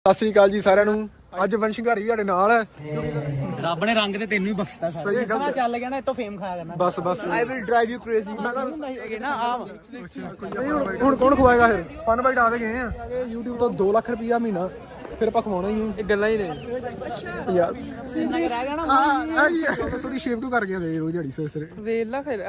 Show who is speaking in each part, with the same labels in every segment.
Speaker 1: ਸਤਿ ਸ੍ਰੀ ਅਕਾਲ ਜੀ ਸਾਰਿਆਂ ਨੂੰ। ਅੱਜ ਵੰਸ਼ਿੰਘਾਰੀ ਵੀ ਸਾਡੇ ਨਾਲ ਹੈ।
Speaker 2: ਰੱਬ ਨੇ ਰੰਗ ਤੇ ਤੈਨੂੰ ਹੀ ਬਖਸ਼ਤਾ ਸਾਰਾ
Speaker 1: ਸਹੀ
Speaker 2: ਚੱਲ ਗਿਆ ਨਾ ਇਤੋਂ ਫੇਮ ਖਾਇਆ ਕਰਨਾ।
Speaker 1: ਬਸ
Speaker 2: I will drive you crazy ਮੈਂ ਤਾਂ ਹੁੰਦਾ ਸੀ ਨਾ ਆਮ
Speaker 1: ਹੁਣ ਕੌਣ ਖਵਾਏਗਾ ਫਿਰ? ਫਨ ਬਾਈਟ ਆ ਗਏ ਆ YouTube ਤੋਂ 2 ਲੱਖ ਰੁਪਇਆ ਮਹੀਨਾ ਫਿਰ ਆਪਾਂ ਖਵਾਉਣਾ ਹੀ
Speaker 2: ਇਹ ਗੱਲਾਂ ਹੀ ਨੇ
Speaker 1: ਯਾਰ।
Speaker 2: ਰਹਿ ਗਿਆ ਨਾ
Speaker 1: ਸੋਦੀ ਸ਼ੇਪ ਕਿਉਂ ਕਰ ਗਿਆ ਦੇ ਰੋਜ਼ ਝਾੜੀ ਸਵੇਰੇ
Speaker 2: ਵੇਲਾ ਫਿਰ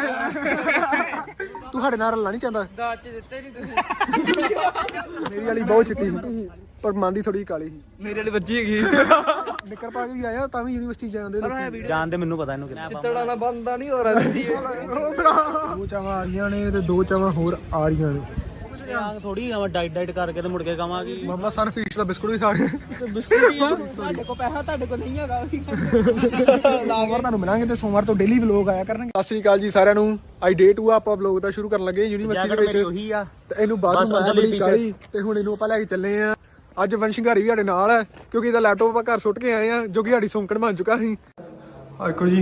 Speaker 1: ਤੂੰ ਸਾਡੇ ਨਾਲ ਰਲਣਾ ਨਹੀਂ ਚਾਹੁੰਦਾ?
Speaker 2: ਦਾਜ ਚ ਦਿੱਤੇ ਨਹੀਂ ਤੁਸੀਂ
Speaker 1: ਮੇਰੀ ਵਾਲੀ ਬਹੁਤ ਚਿੱਟੀ ਸੀ ਪਰ ਮਨ ਦੀ ਥੋੜੀ ਕਾਲੀ ਸੀ।
Speaker 2: ਮੇਰੇ ਵਾਲੀ ਬੱਜੀ ਹੈਗੀ
Speaker 1: ਨਿੱਕਰ ਪਾ ਕੇ ਵੀ ਆਇਆ ਤਾਂ ਵੀ ਯੂਨੀਵਰਸਿਟੀ ਜਾਂਦੇ ਲੋਕੀ।
Speaker 2: ਜਾਣ ਦੇ ਮੈਨੂੰ ਪਤਾ ਇਹਨੂੰ ਕਿੰਨਾ ਚਿੱਤੜਾ ਨਾ ਬੰਦਾ ਨਹੀਂ ਹੋ ਰਿਹਾ ਵੀਦੀ
Speaker 1: 2 ਚਾਵਾਂ ਆ ਰਹੀਆਂ ਨੇ ਤੇ 2 ਚਾਵਾਂ ਹੋਰ ਆ ਰਹੀਆਂ ਨੇ।
Speaker 2: ਥੋੜੀ ਡਾਈਟ ਕਰਕੇ ਤੇ ਮੁੜ ਕੇ ਕਵਾਂਗੀ
Speaker 1: ਮਾਮਾ ਸਨ ਫੀਸ ਦਾ ਬਿਸਕੁਟ ਵੀ ਖਾ ਗਏ।
Speaker 2: ਬਿਸਕੁਟ ਹੀ ਆ ਤੁਹਾਡੇ ਕੋਲ ਪੈਸਾ ਤੁਹਾਡੇ ਕੋਲ ਨਹੀਂ ਹੈਗਾ
Speaker 1: ਸੋਮਵਾਰ ਤੁਹਾਨੂੰ ਮਿਲਾਂਗੇ ਤੇ ਸੋਮਵਾਰ ਤੋਂ ਡੇਲੀ ਵਲੌਗ ਆਇਆ ਕਰਨਗੇ। ਸਤਿ ਸ੍ਰੀ ਅਕਾਲ ਜੀ ਸਾਰਿਆਂ ਨੂੰ। ਅੱਜ ਡੇ 2 ਆਪਾਂ ਵਲੌਗ ਦਾ ਸ਼ੁਰੂ ਕਰਨ ਲੱਗੇ ਯੂਨੀਵਰਸਿਟੀ ਦੇ ਵਿੱਚ।
Speaker 2: ਉਹੀ ਆ
Speaker 1: ਤੇ ਇਹਨੂੰ ਬਾਥਰੂਮ ਆਇਆ ਬੜੀ ਕਾਲੀ ਤੇ ਹੁਣ ਇਹਨੂੰ ਆਪਾਂ ਲੈ ਕੇ ਚੱਲੇ ਆ। ਅੱਜ ਵੰਸ਼ਿੰਘਾਰੀ ਵੀ ਸਾਡੇ ਨਾਲ ਹੈ ਕਿਉਂਕਿ ਇਹਦਾ ਲੈਪਟਾਪ ਆਪਾਂ ਘਰ ਸੁੱਟ ਕੇ ਆਏ ਆ ਜੋ ਕਿ ਸਾਡੀ ਸੌਂਕਣ ਬਣ ਚੁੱਕਾ ਸੀ। ਦੇਖੋ ਜੀ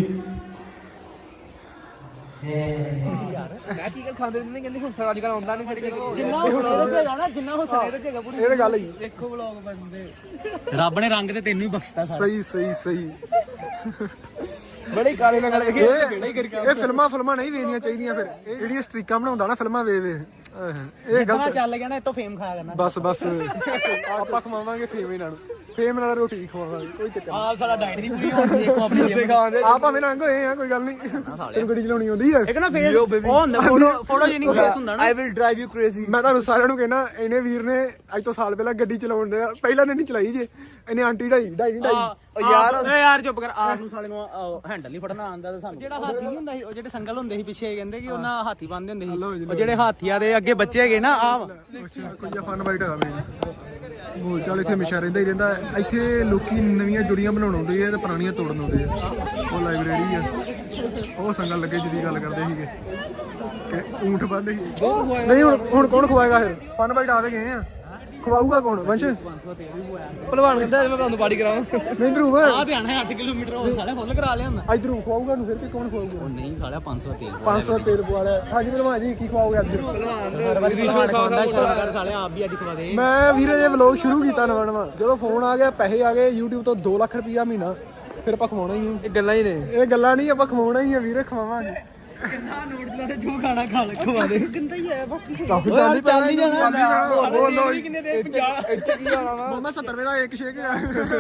Speaker 2: ਮੈਂ ਕੀ ਖਾਂਦੇ ਨੇ ਕਹਿੰਦੇ ਹੁਸਨ ਅੱਜ ਕੱਲ ਆਉਂਦਾ ਨਹੀਂ ਸਾਡੇ ਕੋਲ ਜਿੰਨਾ ਹੁਸਨ ਇਹਦੇ ਚ ਹੈਗਾ ਨਾ ਜਿੰਨਾ ਹੁਸਨ ਇਹਦੇ ਚ ਹੈਗਾ ਪੂਰੀ
Speaker 1: ਇਹ ਗੱਲ ਹੀ
Speaker 2: ਦੇਖੋ ਵਲੌਗ ਬਣਦੇ ਰੱਬ ਨੇ ਰੰਗ ਤੇ ਤੈਨੂੰ ਹੀ ਬਖਸ਼ਤਾ ਸਾਰਾ
Speaker 1: ਸਹੀ
Speaker 2: ਬੜੇ ਕਾਲੇ ਨਾਲ ਵੇਖੇ
Speaker 1: ਇਹ ਫਿਲਮਾਂ ਨਹੀਂ ਵੇਖਣੀਆਂ ਚਾਹੀਦੀਆਂ। ਫਿਰ ਇਹ ਜਿਹੜੀਆਂ ਸਟ੍ਰੀਕਾਂ ਬਣਾਉਂਦਾ ਨਾ ਫਿਲਮਾਂ ਵੇ ਇਹ ਗਲਤ
Speaker 2: ਚੱਲ ਗਿਆ ਨਾ ਇਤੋਂ ਫੇਮ ਖਾਇਆ ਕਰਨਾ।
Speaker 1: ਬਸ ਆਪਾਂ ਖਵਾਵਾਂਗੇ ਫੇਮ ਇਹਨਾਂ ਨੂੰ। ਫੇਮ ਨਾਲ ਰੋਟੀ ਖਵਾਵਾਂਗੇ ਕੋਈ ਚੱਕਰ ਨਹੀਂ।
Speaker 2: ਆਪ ਸਾਡਾ ਡਾਈਟ ਨਹੀਂ ਪੂਰੀ ਹੁੰਦੀ ਇੱਕ ਆਪਣੀ ਸਿਖਾਉਂਦੇ
Speaker 1: ਆਪ ਭਾਵੇਂ ਨੰਗ ਹੋਏ ਆ ਕੋਈ ਗੱਲ ਨਹੀਂ। ਤੈਨੂੰ ਗੱਡੀ ਚਲਾਉਣੀ ਆਉਂਦੀ ਹੈ?
Speaker 2: ਇੱਕ ਨਾ ਫੇਸ ਉਹ ਹੁੰਦਾ ਫੋਟੋ ਜਿਹੀ ਨਹੀਂ ਫੇਸ ਹੁੰਦਾ ਨਾ I will drive you crazy.
Speaker 1: ਮੈਂ ਤੁਹਾਨੂੰ ਸਾਰਿਆਂ ਨੂੰ ਕਹਿਣਾ ਇਹਨੇ ਵੀਰ ਨੇ ਅੱਜ ਤੋਂ ਸਾਲ ਪਹਿਲਾਂ ਗੱਡੀ ਚਲਾਉਣ ਦੇ ਪਹਿਲਾਂ ਦਿਨ ਨਹੀਂ ਚਲਾਈ ਜੇ। ਇਹਨੇ ਆਂਟੀ ਢਾਈ
Speaker 2: ਯਾਰ ਚੁੱਪ ਕਰ ਆਪ ਨੂੰ ਸਾਲੇ ਨੂੰ ਹੈਂਡਲ ਨਹੀਂ ਫੜਨਾ ਆਉਂਦਾ ਤੇ ਸਾਨੂੰ ਜਿਹੜਾ ਹਾਥੀ ਨਹੀਂ ਹੁੰਦਾ ਸੀ ਉਹ ਜਿਹੜੇ ਸੰਗਲ ਹੁੰਦੇ ਸੀ ਪਿੱਛੇ ਕਹਿੰਦੇ ਕਿ ਉਹਨਾਂ ਹਾਥੀ ਬੰਨਦੇ ਹੁੰਦੇ ਸੀ ਉਹ ਜਿਹੜੇ ਹਾਥੀਆਂ ਦੇ ਅੱਗੇ ਬੱਚੇ ਹੈਗੇ ਨਾ ਆਮ
Speaker 1: ਕੋਈ ਫਨ ਬਾਈਟ ਆ ਬੋਲ ਚਾਲ ਇੱਥੇ ਹਮੇਸ਼ਾ ਰਹਿੰਦਾ ਹੀ ਰਹਿੰਦਾ। ਇੱਥੇ ਲੋਕੀ ਨਵੀਆਂ ਜੁੜੀਆਂ ਬਣਾਉਣ ਆਉਂਦੇ ਆ ਤੇ ਪੁਰਾਣੀਆਂ ਤੋੜਨ ਆਉਂਦੇ ਆ। ਉਹ ਲਾਇਬ੍ਰੇਰੀ ਆ ਉਹ ਸੰਗਲ ਲੱਗੇ ਜਿਹਦੀ ਗੱਲ ਕਰਦੇ ਸੀਗੇ ਕਿ ਊਂਠ ਬੰਦੇ ਸੀ। ਨਹੀਂ ਹੁਣ ਕੌਣ ਖਵਾਏਗਾ ਫਿਰ? ਫਨ ਬਾਈਟ ਆ ਗਏ ਆ ਖਵਾਊਗਾ ਕੌਣ? ਵੰਸ਼
Speaker 2: ਭਲਵਾਨ ਕਹਿੰਦਾ ਮੈਂ ਤੁਹਾਨੂੰ ਬਾਡੀ ਕਰਾਵਾਂ
Speaker 1: ਨਹੀਂ ਧਰੂਵ
Speaker 2: ਆ ਧਿਆਨ ਹੈ 8 ਕਿਲੋਮੀਟਰ ਉਹ ਸਾਲੇ ਫੁੱਲ ਕਰਾ ਲਿਆ ਹੁੰਦਾ
Speaker 1: ਇਧਰੋਂ ਖਵਾਊਗਾ ਨੂੰ ਫਿਰ ਕਿ ਕੌਣ ਖਵਾਊਗਾ?
Speaker 2: ਉਹ ਨਹੀਂ ਸਾਲਿਆ 500 ਤੇਲ
Speaker 1: 500 ਤੇਲ ਪਵਾ ਲਿਆ। ਹਾਂਜੀ ਭਲਵਾਨ ਜੀ ਕੀ ਖਵਾਓਗੇ ਅੱਜ?
Speaker 2: ਹਰ ਵਾਰੀ ਰਿਸ਼ਵਤ ਖਾਂਦਾ ਸ਼ਰਮ ਕਰ ਸਾਲੇ ਆਪ ਵੀ ਅੱਜ ਖਵਾ ਦੇ।
Speaker 1: ਮੈਂ ਵੀਰੇ ਇਹ ਵਲੌਗ ਸ਼ੁਰੂ ਕੀਤਾ ਨਵਾਂ ਜਦੋਂ ਫੋਨ ਆ ਗਿਆ ਪੈਸੇ ਆ ਗਏ YouTube ਤੋਂ 2 ਲੱਖ ਰੁਪਇਆ ਮਹੀਨਾ ਫਿਰ ਆਪਾਂ ਖਵਾਉਣਾ ਹੀ ਆ।
Speaker 2: ਇਹ ਗੱਲਾਂ ਹੀ ਨੇ
Speaker 1: ਇਹ ਗੱਲਾਂ ਨਹੀਂ ਆਪਾਂ ਖਵਾਉਣਾ ਹੀ ਆ ਵੀਰੇ ਖਵਾਵਾਂਗੇ।
Speaker 2: ਕਿੰਨਾ ਨੋਟ ਲਾ ਦੇ ਜੋ ਖਾਣਾ ਖਵਾ ਦੇ ਕਿੰਦਾ ਹੀ ਹੈ ਬਾਕੀ
Speaker 1: ਚੱਲ ਨਹੀਂ ਜਾਣਾ ਬੋਲੋ
Speaker 2: ਕਿੰਨੇ ਦੇ 50 ਇੱਥੇ ਕੀ ਜਾਣਾ ਵਾ
Speaker 1: ਮਾਮਾ 70 ਰੁਪਏ ਦਾ ਇੱਕ ਸ਼ੇਕ ਆ।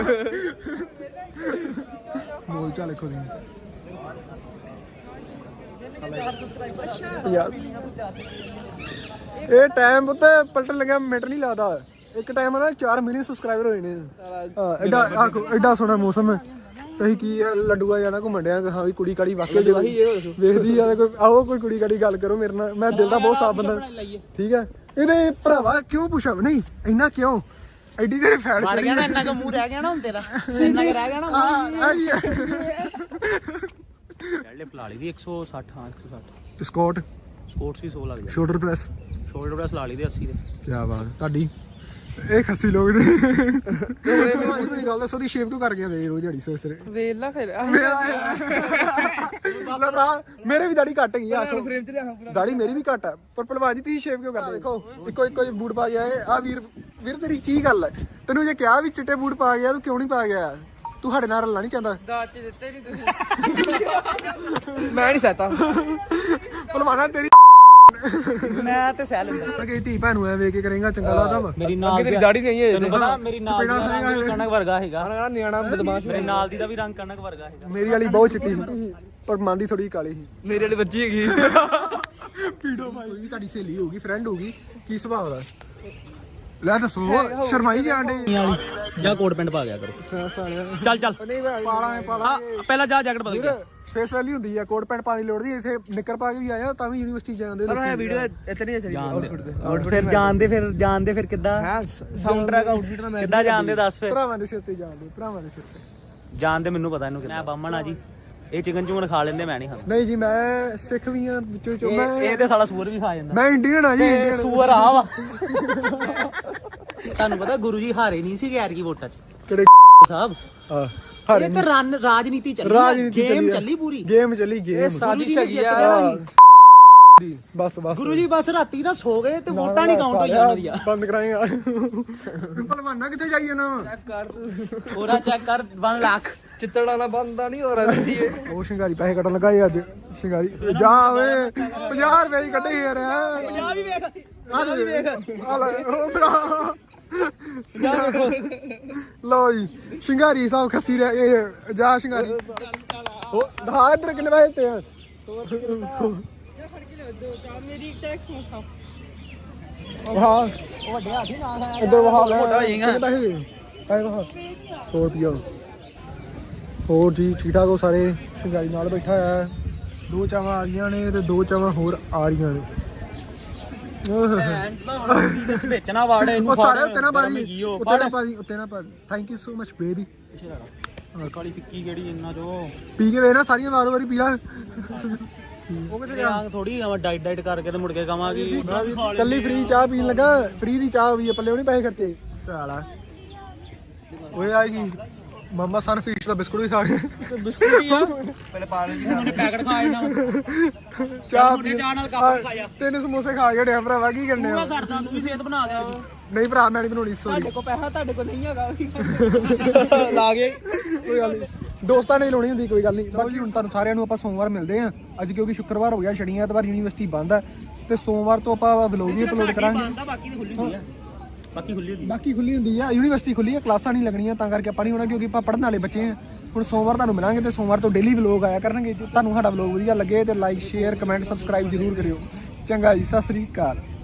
Speaker 1: ਬੋਲ ਚੱਲ ਦੇਖੋ ਜੀ ਯਾਰ ਇਹ ਟਾਈਮ ਉੱਤੇ ਪਲਟਣ ਲੱਗਿਆ ਮਿੰਟ ਨਹੀਂ ਲੱਗਦਾ। ਇੱਕ ਟਾਈਮ ਨਾ 4 ਮਿਲੀਅਨ ਸਬਸਕ੍ਰਾਈਬਰ ਹੋਏ ਨੇ। ਐਡਾ ਸੋਹਣਾ ਮੌਸਮ ਹੈ ਤੇ ਕੀ ਲੱਡੂਆ ਜਾਣਾ ਘੁੰਮਣ ਡਿਆ ਹਾਂ ਵੀ ਕੁੜੀ ਕਾੜੀ ਵਾਕਿਆ ਵੇਖਦੀ ਆ ਕੋਈ ਆਓ ਕੋਈ ਕੁੜੀ ਕਾੜੀ ਗੱਲ ਕਰੋ ਮੇਰੇ ਨਾਲ। ਮੈਂ ਦਿਲ ਦਾ ਬਹੁਤ ਸਾਫ ਬੰਦਾ ਠੀਕ ਹੈ। ਇਹਦੇ ਭਰਾਵਾ ਕਿਉਂ ਪੁੱਛਾ ਨਹੀਂ ਇੰਨਾ ਕਿਉਂ ਐਡੀ ਤੇਰੇ ਫੈਟ
Speaker 2: ਵੜ ਗਿਆ ਨਾ ਇੰਨਾ ਕੁ ਮੂੰਹ ਰਹਿ ਗਿਆ ਨਾ ਹੁਣ ਤੇਰਾ ਇੰਨਾ ਕੁ ਰਹਿ ਗਿਆ ਨਾ ਲੈ ਫਲਾਲੀ ਦੀ 160 ਹਾਂ 160
Speaker 1: ਤੇ ਸਕੌਟ
Speaker 2: ਸਪੋਰਟਸ ਵੀ 100 ਲੱਗ ਗਿਆ
Speaker 1: ਸ਼ੋਲਡਰ ਪ੍ਰੈਸ
Speaker 2: ਸ਼ੋਲਡਰ ਪ੍ਰੈਸ ਲਾ ਲਈ ਦੇ 80 ਦੇ
Speaker 1: ਕੀ ਬਾਤ ਤੁਹਾਡੀ ਇਹ ਖੱਸੀ ਲੋਕ ਨੇ। ਮੇਰੀ ਗੱਲ ਦੱਸੋ ਦੀ ਸ਼ੇਪ ਕਿਉਂ ਕਰ ਗਿਆ ਦੇ ਰੋਜ਼ ਝਾੜੀ ਸਵੇਰੇ
Speaker 2: ਵੇਲਾ ਫਿਰ
Speaker 1: ਮੇਰੇ ਵੀ ਦਾੜੀ ਘੱਟ ਗਈ ਆ। ਦਾੜੀ ਮੇਰੀ ਵੀ ਘੱਟ ਆ ਪਰ ਭਲਵਾਨ ਜੀ ਤੁਸੀਂ ਸ਼ੇਪ ਕਿਉਂ ਕਰਦੇ? ਦੇਖੋ ਇੱਕੋ ਬੂਟ ਪਾ ਗਿਆ ਆ ਵੀਰ ਤੇਰੀ ਕੀ ਗੱਲ ਹੈ? ਤੈਨੂੰ ਜੇ ਕਿਹਾ ਵੀ ਚਿੱਟੇ ਬੂਟ ਪਾ ਗਿਆ ਤੂੰ ਕਿਉਂ ਨਹੀਂ ਪਾ ਗਿਆ? ਤੂੰ ਸਾਡੇ ਨਾਲ ਰਲਣਾ ਨਹੀਂ ਚਾਹੁੰਦਾ?
Speaker 2: ਦਾਜ ਚ ਦਿੱਤੇ ਨਹੀਂ ਤੁਸੀਂ ਮੈਂ ਨਹੀਂ ਸਹਤਾ
Speaker 1: ਭਲਵਾਨਾ ਤੇਰੀ
Speaker 2: ਮੈਂ ਤੇ ਸਹਿ ਲੈਂਦਾ
Speaker 1: ਕਿ ਧੀ ਭੈਣ ਨੂੰ ਐ ਵੇਖ ਕੇ ਕਰੇਗਾ ਚੰਗਾ ਲੱਗਦਾ ਵਾ?
Speaker 2: ਮੇਰੀ ਨਾਲ ਦੀ ਦਾੜੀ ਨਹੀਂ ਹੈ ਤੈਨੂੰ ਪਤਾ ਮੇਰੀ ਨਾਲ ਦੀ ਕਣਕ ਵਰਗਾ ਹੈਗਾ ਨਿਆਣਾ ਬਦਮਾਸ਼ ਮੇਰੇ ਨਾਲ ਦੀ ਦਾ ਵੀ ਰੰਗ ਕਣਕ ਵਰਗਾ ਹੈਗਾ।
Speaker 1: ਮੇਰੀ ਵਾਲੀ ਬਹੁਤ ਚਿੱਟੀ ਸੀ ਪਰ ਮਨ ਦੀ ਥੋੜੀ ਕਾਲੀ ਸੀ।
Speaker 2: ਮੇਰੇ ਵਾਲੀ ਬੱਜੀ ਹੈਗੀ
Speaker 1: ਪੀੜੋ ਭਾਈ ਵੀ ਤੁਹਾਡੀ ਸਹੇਲੀ ਹੋਊਗੀ ਫਰੈਂਡ ਹੋਊਗੀ ਕੀ ਸੁਭਾਅ ਦਾ? ਲੈ ਦੱਸੋ ਸ਼ਰਮਾਈ ਜਾਂਦੇ
Speaker 2: ਜਾਂ ਕੋਟ ਪੈਂਟ ਪਾ ਗਿਆ ਕਰੋ ਚੱਲ
Speaker 1: ਪਾਲਾ
Speaker 2: ਪਹਿਲਾਂ ਜਾ ਜੈਕਟ ਬਦਲ ਕੇ
Speaker 1: ਫੇਸ ਵੈਲੀ ਹੁੰਦੀ ਆ ਕੋਟ ਪੈਂਟ ਪਾਣੀ ਲੋੜ ਦੀ। ਇੱਥੇ ਨਿੱਕਰ ਪਾ ਕੇ ਵੀ ਆਇਆ ਤਾਂ ਵੀ ਯੂਨੀਵਰਸਿਟੀ ਜਾਂਦੇ
Speaker 2: ਪਰ ਇਹ ਵੀਡੀਓ ਇਤਨੀ ਚਲੀ ਆਊਟਫਿਟ ਫਿਰ ਜਾਣਦੇ ਫਿਰ ਕਿੱਦਾਂ ਹੈ ਸਾਊਂਡ ਟਰੈਕ ਆਊਟਫਿਟ ਦਾ ਮੈਂ ਕਿੱਦਾਂ ਜਾਣਦੇ ਦੱਸ ਫਿਰ
Speaker 1: ਭਰਾਵਾਂ ਦੇ ਸਿਰ ਤੇ ਜਾਂਦੇ ਭਰਾਵਾਂ ਦੇ ਸਿਰ ਤੇ
Speaker 2: ਜਾਣਦੇ ਮੈਨੂੰ ਪਤਾ ਇਹਨੂੰ ਕਿੰਨਾ ਬਾਹਮਣ ਆ ਜੀ ਇਹ ਚਿਕਨ ਚੁੰਗਨ ਖਾ ਲੈਂਦੇ ਮੈਂ ਨਹੀਂ ਖਾਂਦਾ।
Speaker 1: ਨਹੀਂ ਜੀ ਮੈਂ ਸਿੱਖ ਵੀ ਆ ਵਿੱਚੋਂ ਮੈਂ
Speaker 2: ਇਹ ਤੇ ਸਾਲਾ ਸੂਰ ਵੀ ਖਾ ਜਾਂਦਾ।
Speaker 1: ਮੈਂ ਇੰਡੀਅਨ ਆ ਜੀ ਇੰਡੀਅਨ
Speaker 2: ਸੂਰ ਆ ਵਾ ਤੁਹਾਨੂੰ ਪਤਾ ਗੁਰੂ ਜੀ ਹਾਰੇ ਨਹੀਂ ਸੀ ਗੈਰ ਕੀ ਵੋਟਾਂ 'ਚ
Speaker 1: ਕਿਹੜੇ
Speaker 2: ਸਾਹਿਬ
Speaker 1: ਹਾਂ
Speaker 2: ਇਹ ਤਾਂ ਰਾਜਨੀਤੀ ਚੱਲੀ ਗੇਮ ਚੱਲੀ ਪੂਰੀ
Speaker 1: ਗੇਮ ਚੱਲੀ ਗੇਮ
Speaker 2: ਸਾਜ਼ਿਸ਼ ਹੈਗੀ ਆ
Speaker 1: ਬਸ ਬਸ
Speaker 2: ਗੁਰੂ ਜੀ ਬਸ ਰਾਤੀ ਨਾ ਸੋ ਗਏ ਤੇ ਵੋਟਾਂ ਨਹੀਂ ਕਾਊਂਟ ਹੋਈਆਂ ਉਹਨਾਂ ਦੀਆਂ।
Speaker 1: ਬੰਦ ਕਰਾਏਗਾ ਭਲਵਾਨਾ ਕਿੱਥੇ ਜਾਈਏ ਨਾ
Speaker 2: ਪੂਰਾ ਚੈੱਕ ਕਰ 1 ਲੱਖ
Speaker 3: ਚਿੱਤੜਾ ਨਾ ਬੰਦਾ ਨਹੀਂ ਹੋ ਰਹੀ ਏ।
Speaker 1: ਉਹ ਸ਼ਿੰਗਾਰੀ ਪੈਸੇ ਕੱਢਣ ਲੱਗਾ ਏ ਅੱਜ ਸ਼ਿੰਗਾਰੀ ਜਾ ਓਏ 50 ਰੁਪਏ ਹੀ ਕੱਢੇ ਯਾਰ
Speaker 2: ਆ ਵੀ ਵੇਖ ਆ ਵੀ ਵੇਖ
Speaker 1: ਆ ਲੈ ਉਹ ਭਰਾ
Speaker 2: ਜਾ ਵੇਖੋ
Speaker 1: ਲਓ ਜੀ ਸ਼ਿੰਗਾਰੀ ਸਾਹਿਬ ਖੱਸੀ ਰਿਹਾ ਇਹ ਜਾ ਸ਼ਿੰਗਾਰੀ ਉਹ ਦਾ ਇਧਰ ਕਿੰਨੇ ਪੈਸੇ ਤੇ ਆ
Speaker 3: ਮੇਰੀ ਟੈਕਸ ਮਸਾ
Speaker 1: ਵਾਹ
Speaker 2: ਉਹ ਵੱਡੇ ਹਾਥੀ ਨਾਲ ਆਇਆ
Speaker 1: ਇੱਧਰ ਵਾਹ ਲੈ
Speaker 2: ਮੋਟਾ ਹੋ ਜਾਏਗਾ।
Speaker 1: ਕਿੰਨੇ ਪੈਸੇ ਵਾਹ 100 ਰੁਪਿਆ ਹੋਰ ਜੀ ਠੀਕ ਠਾਕ ਹੋ ਸਾਰੇ ਸ਼ਿੰਗਾਰੀ ਨਾਲ ਬੈਠਾ ਹੋਇਆ 2 ਚਾਵਾਂ ਆ ਗਈਆਂ ਨੇ ਤੇ 2 ਚਾਵਾਂ ਹੋਰ ਆ ਰਹੀਆਂ ਨੇ
Speaker 2: ਵੇਚਣਾ ਵਾੜ ਇਹਨੂੰ
Speaker 1: ਉਹ ਸਾਰੇ ਉੱਤੇ ਨਾ ਬਾਜੀ ਉੱਤੇ ਨਾ ਬਾਜੀ ਉੱਤੇ ਨਾ ਬਾਜੀ thank you so much baby
Speaker 2: ਕਾਲੀ ਫਿੱਕੀ ਕਿਹੜੀ ਇੰਨਾ ਜੋ
Speaker 1: ਪੀ ਕੇ ਵੇ ਨਾ ਸਾਰੀਆਂ ਵਾਰ ਵਾਰੀ ਪੀ ਲਾ ਉਹ ਕਿਤੇ
Speaker 2: ਆਂਗ ਥੋੜੀ ਆਵਾਂ ਡਾਈਟ ਕਰਕੇ ਤੇ ਮੁੜ ਕੇ ਕਵਾਂਗੀ
Speaker 1: ਕੱਲੀ ਫ੍ਰੀ ਚਾਹ ਪੀਣ ਲੱਗਾ ਫ੍ਰੀ ਦੀ ਚਾਹ ਵੀ ਪੱਲੇ ਉਹਨੇ ਪੈਸੇ ਖਰਚੇ ਸਾਲਾ ਓਏ ਆਏਗੀ ਮਮਾ ਸਨ ਫੀਸ ਦਾ ਬਿਸਕੁਟ ਵੀ ਖਾ ਗਏ
Speaker 2: ਬਿਸਕੁਟ ਹੀ ਆ ਪਹਿਲੇ ਪਾਗਲ ਜੀ ਉਹਨੇ ਪੈਕਟ ਖਾਏ ਨਾ
Speaker 1: ਚਾਹ ਪੀ
Speaker 2: ਚਾਹ ਨਾਲ ਕੱਪ ਖਾਇਆ
Speaker 1: 3 ਸਮੋਸੇ ਖਾ ਕੇ ਡਿਆ ਭਰਾਵਾ ਕੀ ਕਰਨੇ ਆ
Speaker 2: ਛੱਡਦਾ ਤੂੰ ਵੀ ਸਿਹਤ ਬਣਾ ਦੇ
Speaker 1: ਨਹੀਂ ਭਰਾ ਮੈਂ ਨਹੀਂ ਬਣਾਉਣੀ ਸੋਰੀ
Speaker 3: ਕੋ ਪੈਸਾ ਤੁਹਾਡੇ ਕੋ ਨਹੀਂ ਹੈਗਾ
Speaker 2: ਲਾ ਗਏ
Speaker 1: ਕੋਈ ਗੱਲ ਨਹੀਂ ਦੋਸਤਾਂ ਨੇ ਲਾਉਣੀ ਹੁੰਦੀ ਕੋਈ ਗੱਲ ਨਹੀਂ ਬਾਕੀ ਹੁਣ ਤੁਹਾਨੂੰ ਸਾਰਿਆਂ ਨੂੰ ਆਪਾਂ ਸੋਮਵਾਰ ਮਿਲਦੇ ਆਂ ਅੱਜ ਕਿਉਂਕਿ ਸ਼ੁੱਕਰਵਾਰ ਹੋ ਗਿਆ ਸ਼ਨੀ ਐਤਵਾਰ ਯੂਨੀਵਰਸਿਟੀ ਬੰਦ ਹੈ ਤੇ ਸੋਮਵਾਰ ਤੋਂ ਆਪਾਂ ਵਲੌਗ ਵੀ ਅਪਲੋਡ ਕਰਾਂਗੇ
Speaker 2: ਬਾਕੀ ਦੀ ਖੁੱਲੀ ਹੁੰਦੀ ਆ ਬਾਕੀ ਖੁੱਲੀ ਹੁੰਦੀ
Speaker 1: ਬਾਕੀ ਖੁੱਲੀ ਹੁੰਦੀ ਆ ਯੂਨੀਵਰਸਿਟੀ ਖੁੱਲੀ ਆ ਕਲਾਸਾਂ ਨਹੀਂ ਲੱਗਣੀਆਂ ਤਾਂ ਕਰਕੇ ਆਪਾਂ ਨਹੀਂ ਹੋਣਾ ਕਿਉਂਕਿ ਆਪਾਂ ਪੜ੍ਹਨ ਵਾਲੇ ਬੱਚੇ ਆ ਹੁਣ ਸੋਮਵਾਰ ਤੁਹਾਨੂੰ ਮਿਲਾਂਗੇ ਤੇ ਸੋਮਵਾਰ ਤੋਂ ਡੇਲੀ ਵਲੌਗ ਆਇਆ ਕਰਨਗੇ ਜੇ ਤੁਹਾਨੂੰ ਸਾਡਾ ਵਲੌਗ ਵਧੀਆ ਲੱਗੇ ਤੇ ਲਾਈਕ ਸ਼ੇਅਰ ਕਮੈਂਟ ਸਬਸਕ੍ਰਾਈਬ ਜ਼ਰੂਰ ਕਰਿਓ ਚੰਗਾ ਜੀ ਸਤਿ ਸ੍ਰੀ ਅਕਾਲ